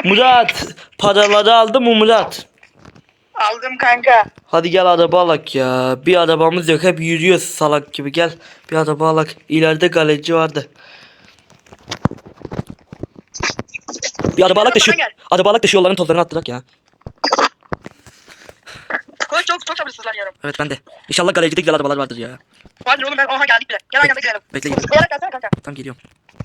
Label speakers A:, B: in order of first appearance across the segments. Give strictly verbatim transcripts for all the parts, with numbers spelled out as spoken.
A: Murat paraları aldın mı Murat?
B: Aldım kanka.
A: Hadi gel araba alak ya. Bir arabamız yok, hep yürüyoruz salak gibi. Gel bir araba alak. İleride galerici vardı. Bir araba alak da şu araba alak da şu yolların tozlarını attırak ya.
B: Koş, çok çok sabırsızlar yarım.
A: Evet ben de. İnşallah galericide güzel arabalar vardır ya.
B: Hadi oğlum, ben oha geldik bile. Gel aynı anda gidelim.
A: Bekle gidelim.
B: Zıplayarak gelsene kanka.
A: Tamam geliyorum.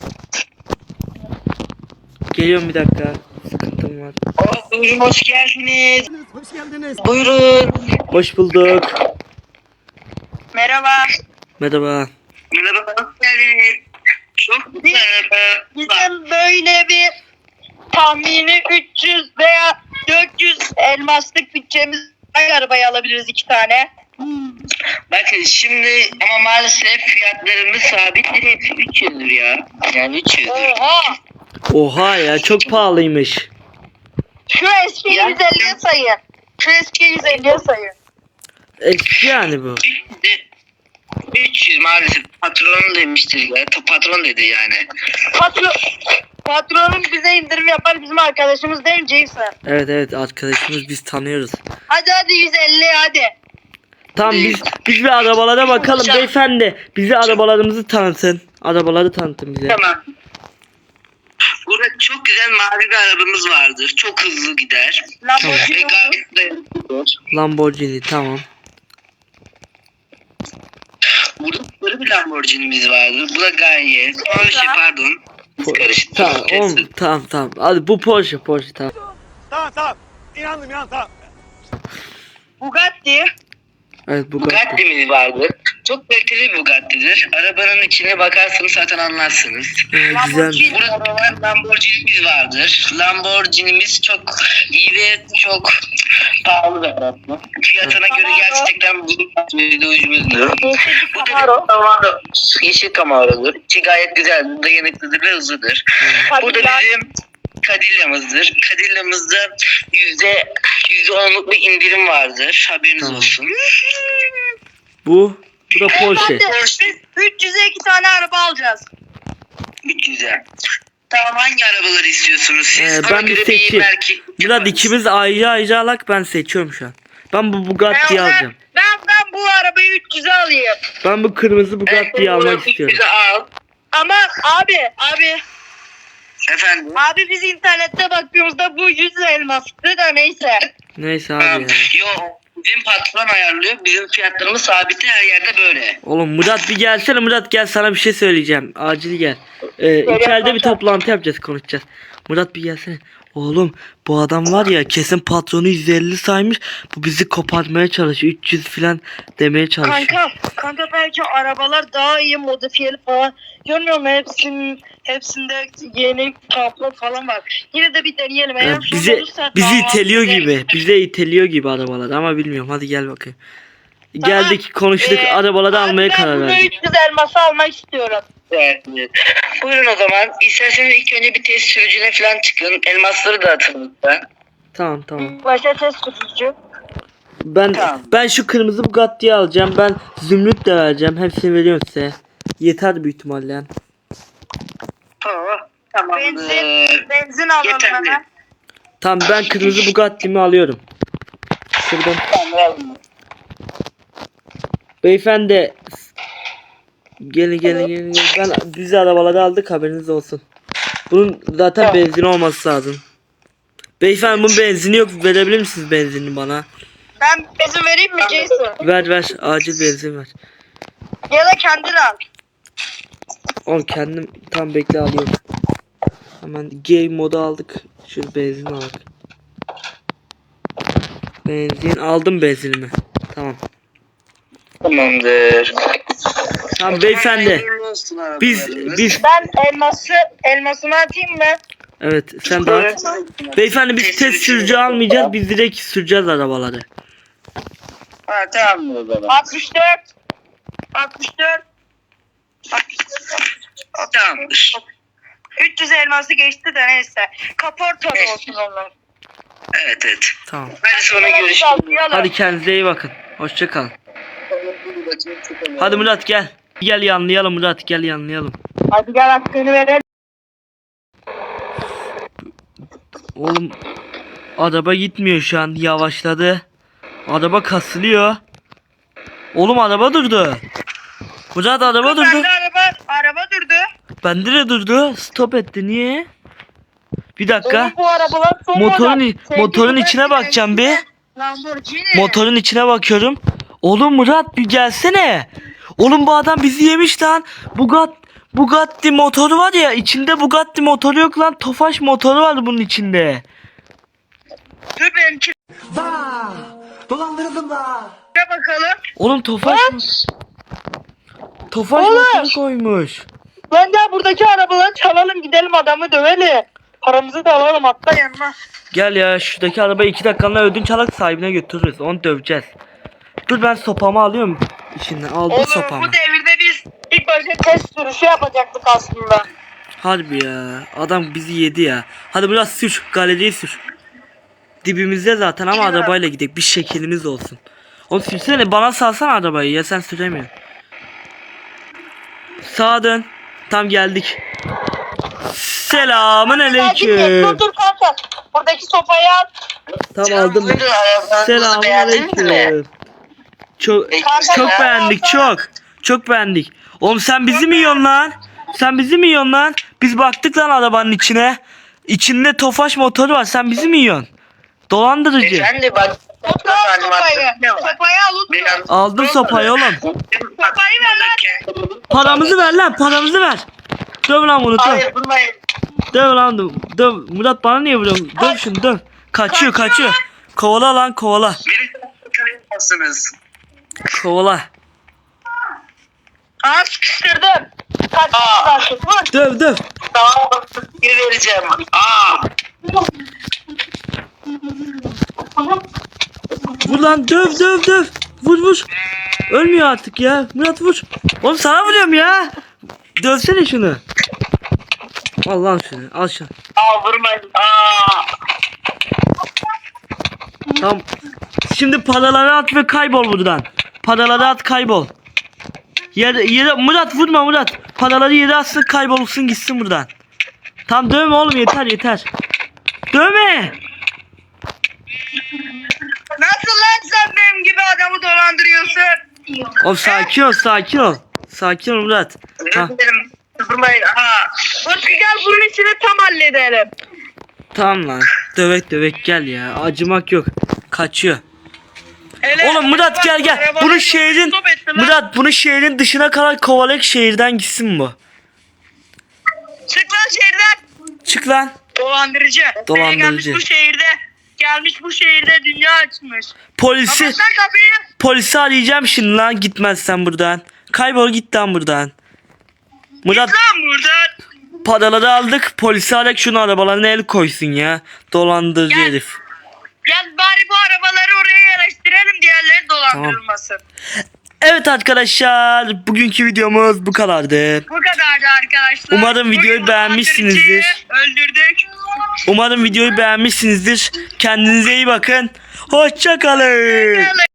A: Geliyorum bir dakika. Sıkıntım var.
B: Oh, buyurun hoş geldiniz. Hoş geldiniz. Buyurun.
A: Hoş bulduk.
B: Merhaba.
A: Merhaba.
B: Merhaba. Hoş geldiniz. Çok merhaba. Bizim böyle bir tahmini üç yüz veya dört yüz elmaslık bütçemiz var, arabayı alabiliriz iki tane.
C: Bakın şimdi ama maalesef fiyatlarımız sabit değil, üç yüzdür ya. Yani üç yüzdür.
B: Oha.
A: Oha ya, çok pahalıymış.
B: Şu eski yüz elliye sayın. Şu eski yüz elliye sayın.
A: Eski yani bu.
C: üç yüz maalesef patron demiştir ya. Patron dedi yani.
B: Patron, patronum bize indirim yapar, bizim arkadaşımız değil mi Jason?
A: Evet evet, arkadaşımız, biz tanıyoruz.
B: Hadi hadi yüz elli hadi.
A: Tamam biz biz bir arabalara bakalım beyefendi. Bize arabalarımızı tanıtın. Arabaları tanıtın bize.
C: Tamam. Burada çok güzel mavi bir arabamız vardır. Çok hızlı gider. Ve
B: Lamborghini olur.
C: gayet dayanıklıdır.
A: Lamborghini, tamam.
C: Burada sarı bir Lamborghini'miz vardır. Bu da gayet. Porsche pardon. Karıştı.
A: Tamam oğlum, tamam tamam. Hadi bu Porsche Porsche tamam.
D: Tamam tamam. İnandım inandım tamam.
B: Bugatti.
A: Evet Bugatti.
C: Bugatti'miz vardır. Çok kaliteli bir Bugatti'dir. Arabanın içine bakarsanız zaten anlarsınız.
A: Ee, güzel.
B: Lamborghini.
C: Burada var Lamborghini'miz vardır. Lamborghini'miz çok iyi ve çok pahalı bir araba. Fiyatına göre gerçekten bir ucuzdur.
B: Yeşil
C: Bu da
B: Camaro.
C: bir Camaro. Yeşil Camaro'dur. İçi gayet güzel, dayanıklıdır ve hızlıdır. Bu da
B: Cadillac.
C: bizim Cadilla'mızdır. Cadilla'mızda yüzde yüzde onluk bir indirim vardır. Haberiniz
A: Tamam.
C: olsun.
A: Bu bu da Porsche.
B: Beyefendi, biz üç yüze iki tane araba alacağız.
C: Güzel. Tamam, hangi arabaları istiyorsunuz siz?
A: Ee,
C: Ona
A: ben bir
C: göre
A: seçeyim.
C: belki
A: Murat ikimiz ayrı ayrı alak, ben seçiyorum şu an. Ben bu Bugatti'yi
B: Ben,
A: alacağım.
B: ben, ben bu arabayı üç yüze alayım.
A: Ben bu kırmızı Bugatti'yi almak istiyorum.
C: Bize al.
B: Ama abi abi
C: Efendim?
B: abi biz internette baktığımızda bu yüz elmastı da neyse.
A: Neyse
C: Tamam.
A: abi ya.
C: Yo, bizim patron ayarlıyor. Bizim fiyatlarımız sabit, her yerde böyle.
A: Oğlum Murat bir gelsene, Murat gel, sana bir şey söyleyeceğim. Acil gel. Ee, içeride bir toplantı yapacağız, konuşacağız. Murat bir gelsene. Oğlum bu adam var ya, kesin patronu yüz elli saymış. Bu bizi kopartmaya çalışıyor. üç yüz falan demeye çalışıyor.
B: Kanka kanka belki arabalar daha iyi modifiyeli falan. Görmüyor musun, hepsinin hepsinde yeni kaplar falan var. Yine de bir deneyelim. Eğer
A: Yani
B: sorun
A: bizi
B: olursa
A: bizi
B: tamam,
A: iteliyor
B: bize-
A: gibi. Bize iteliyor gibi arabalar ama bilmiyorum. Hadi gel bakayım.
B: Tamam.
A: Geldik, konuştuk,
B: Ee,
A: arabaları
B: abi
A: almaya
B: ben
A: karar
B: bunu
A: verdik.
B: üç yüz elması almak istiyorum.
C: Evet. evet. Buyurun o zaman. İsterseniz ilk önce bir test sürücüne falan çıkın. Elmasları da atın lütfen.
A: Tamam tamam.
B: Başa test sürücü.
A: Ben
C: Tamam.
A: ben şu kırmızı Bugatti'yi alacağım. Ben zümrüt de vereceğim. Hepsini veriyorum size. Yeter büyük ihtimalle yani.
C: Tamam. Tamamdır.
B: Benzin, benzin alalım
C: Yeterli.
B: hemen.
A: Tamam ben kırmızı Bugatti'mi alıyorum. Şuradan. Beyefendi. Gelin gelin gelin. gelin. Ben biz arabaları aldık, haberiniz olsun. Bunun zaten benzin olması lazım. Beyefendi bunun benzini yok. Verebilir misiniz benzinini bana?
B: Ben benzin vereyim mi Jason?
A: Ver ver. Acil benzin ver.
B: Ya da kendin al.
A: Oğlum kendim tam bekle alıyorum. Hemen game modu aldık. Şöyle benzin aldık. Benzin aldım, benzinimi. Tamam.
C: Tamamdır.
A: Tamam beyefendi.
C: Hayırlı olsun arabalarınız.
A: Biz biz
B: Ben elması elmasını atayım mı?
A: evet sen de at. Beyefendi biz test sürücü almayacağız. Biz direkt süreceğiz arabaları.
C: Ha, tamam o zaman.
B: altmış dört altmış dört
C: Tamamdır.
B: üç yüz elması geçti de neyse. Kaporta da olsun onlar.
C: Evet evet.
A: Tamam.
C: Hadi sonra görüşürüz.
A: Hadi kendinize iyi bakın. Hoşça kalın. Hadi Murat gel. Gel yanlayalım Murat, gel yanlayalım.
B: Hadi gel hakkını verelim.
A: Oğlum araba gitmiyor şu an, yavaşladı. Araba kasılıyor. Oğlum araba durdu. Murat araba durdu.
B: Bende araba, araba durdu.
A: Bende de durdu. Stop etti, niye? Bir dakika.
B: Oğlum bu arabalar son
A: Motorun
B: model.
A: i- motorun
B: Sevgili
A: içine
B: Bugatti,
A: bakacağım bir.
B: Lamborghini.
A: Motorun içine bakıyorum. Oğlum Murat bir gelsene. Oğlum bu adam bizi yemiş lan. Bugatti, Bugatti motoru var ya, içinde Bugatti motoru yok lan. Tofaş motoru var bunun içinde.
B: Dur benimkine
D: Dolandırıldım da.
B: bakalım.
A: Oğlum Tofaş
B: Lan!
A: Tofaş
B: Oğlum!
A: motoru koymuş.
B: Ben de buradaki arabaları çalalım gidelim adamı dövelim. Paramızı da alalım hatta yanına.
A: Gel ya, şuradaki arabayı iki dakikalığına ödünç alarak sahibine götürürüz. Onu döveceğiz. Dur ben sopamı alıyorum içinden. Aldım
B: Oğlum
A: sopamı.
B: bu devirde biz ilk başta test sürüşü yapacaktık aslında.
A: Harbi ya. Adam bizi yedi ya. Hadi biraz sür. Galeriyi sür. Dibimizde zaten ama
B: Gidelim.
A: arabayla gidelim. Bir şeklimiz olsun. Oğlum sürsene, bana salsana arabayı ya, sen süremiyorsun. Sağa dön. Tam geldik. Selamın
B: Dur
A: aleyküm.
B: dur kanka. Buradaki sopayı al.
A: Tam aldım.
C: Buyurun, arabanızı
A: Selamın
C: beğendiniz mi?
A: aleyküm. Çok
C: Kanka,
A: çok
C: ya.
A: beğendik, çok. Çok beğendik. Oğlum sen bizi mi yiyorsun lan? Sen bizi mi yiyorsun lan? Biz baktık lan arabanın içine. İçinde Tofaş motoru var. Sen bizi mi yiyorsun? Dolandırıcı.
C: Efendim bak.
B: Tut al sopayı.
C: Ne var?
B: Sopayı al unutma.
C: Biraz-
A: Aldım sopayı oğlum.
B: Sopayı ver lan.
A: Paramızı ver lan, paramızı ver. Döv lan bunu, döv.
C: Hayır durmayın.
A: Döv lan, döv. Döv. Murat bana niye vuruyorsun? Döv şunu, döv. Kaçıyor, kaçıyor. Kovala lan, kovala.
C: Biri karışmasınız.
A: Kovala.
B: Aa sıkıştırdım. Kaç
C: Aa.
B: kaç vur.
A: Döv, döv.
C: Tamam. Biri vereceğim. Aa.
A: Vur lan, döv, döv, döv. Vur, vur. Ölmüyor artık ya. Murat vur. Oğlum sana vuruyorum ya. Dövsene şunu. Al lan şunu, al şunu.
C: Aa vurmayın. Aa.
A: Tamam. Şimdi paraları at ve kaybol buradan. Paraları at, kaybol. Yere, yere, Murat vurma Murat. Paraları yere atsın, kaybolsun gitsin buradan. Tamam dövme oğlum, yeter yeter. Dövme.
B: Nasıl lan sen benim gibi adamı dolandırıyorsun?
A: Oğlum sakin ol, sakin ol. Sakin ol Murat. Ha,
C: Özür dilerim. Vurmayın. Aa.
B: Utku gel bunun işini tam halledelim.
A: tamam lan. Dövek dövek gel ya. Acımak yok. Kaçıyor.
B: Hele,
A: Oğlum Murat gel gel.
B: arabanı
A: Bunu şehrin
B: stop ettin lan.
A: Murat bunu şehrin dışına kadar kovalayıp şehirden gitsin bu.
B: Çık lan şehirden.
A: Çık lan.
B: Dolandırıcı.
A: Dolandırıcı.
B: Gelmiş bu şehirde. Gelmiş bu şehirde dünya açmış.
A: Polisi
B: Kapat lan kapıyı.
A: polisi arayacağım şimdi lan, gitmezsen buradan. Kaybol git lan buradan. Murat
B: Git lan buradan.
A: paraları aldık. Polisi arayak, şunu arabalarına el koysun ya. Dolandırıcı
B: Gel.
A: herif.
B: Gel bari bu arabaları oraya yerleştirelim, diğerleri dolandırılmasın.
A: Evet arkadaşlar, bugünkü videomuz bu kadardı.
B: Bu kadardı arkadaşlar.
A: Umarım videoyu
B: Bugün
A: beğenmişsinizdir.
B: dolandırıcıyı Öldürdük.
A: Umarım videoyu beğenmişsinizdir. Kendinize iyi bakın. Hoşça kalın.
B: Hoşçakalın.